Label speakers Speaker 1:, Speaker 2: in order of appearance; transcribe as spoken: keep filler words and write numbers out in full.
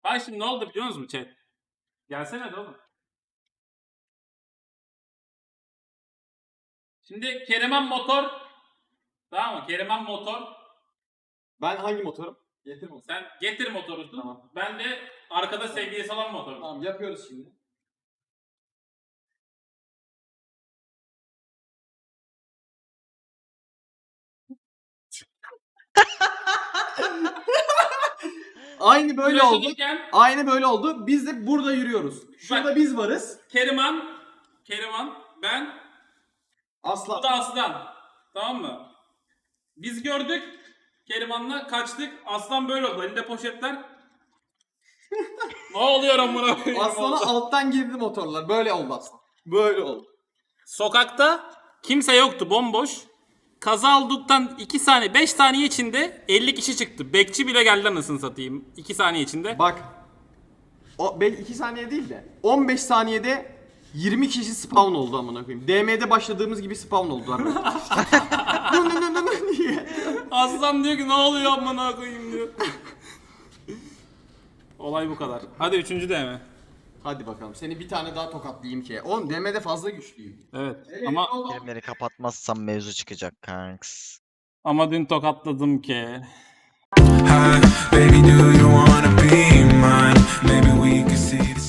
Speaker 1: Bak şimdi ne oldu biliyor musunuz chat? Gelsene de oğlum. Şimdi Keriman motor. Tamam mı? Keriman motor.
Speaker 2: Ben hangi motorum? Getir motoru.
Speaker 1: Sen getir motorusun.
Speaker 2: Tamam.
Speaker 1: Ben de arkada sevgilisi olan motorum.
Speaker 2: Tamam yapıyoruz şimdi. Aynı böyle oldu.
Speaker 1: Görüşürken
Speaker 2: Aynı böyle oldu. Biz de burada yürüyoruz. Şurada
Speaker 1: Bak.
Speaker 2: biz varız.
Speaker 1: Keriman, Keriman, ben, bu
Speaker 2: Aslan.
Speaker 1: da Aslan. Tamam mı? Biz gördük. Keriman'la kaçtık. Aslan böyle oldu. Elinde poşetler. Ne oluyor amına koyayım?
Speaker 2: Aslan'a alttan girdi motorlar. Böyle oldu aslan. Böyle oldu.
Speaker 1: Sokakta kimse yoktu, bomboş. Kaza olduktan iki saniye, beş saniye içinde elli kişi çıktı. Bekçi bile geldi anasını satayım. iki saniye içinde.
Speaker 2: Bak. O iki saniye değil de on beş saniyede yirmi kişi spawn oldu amına koyayım. D M'de başladığımız gibi spawn oldular. Nı nı nı nı nı diye.
Speaker 1: Aslan diyor ki ne oluyor amına koyayım diyor. Olay bu kadar. Hadi üçüncü D M.
Speaker 2: Hadi bakalım. Seni bir tane daha tokatlayayım ki. Oğlum D M'de fazla güçlüyüm.
Speaker 1: Evet. Ama
Speaker 3: Birimleri kapatmazsam mevzu çıkacak kanks.
Speaker 1: ama dün tokatladım ki.
Speaker 4: Hi, baby, do you wanna be mine? Maybe we could see the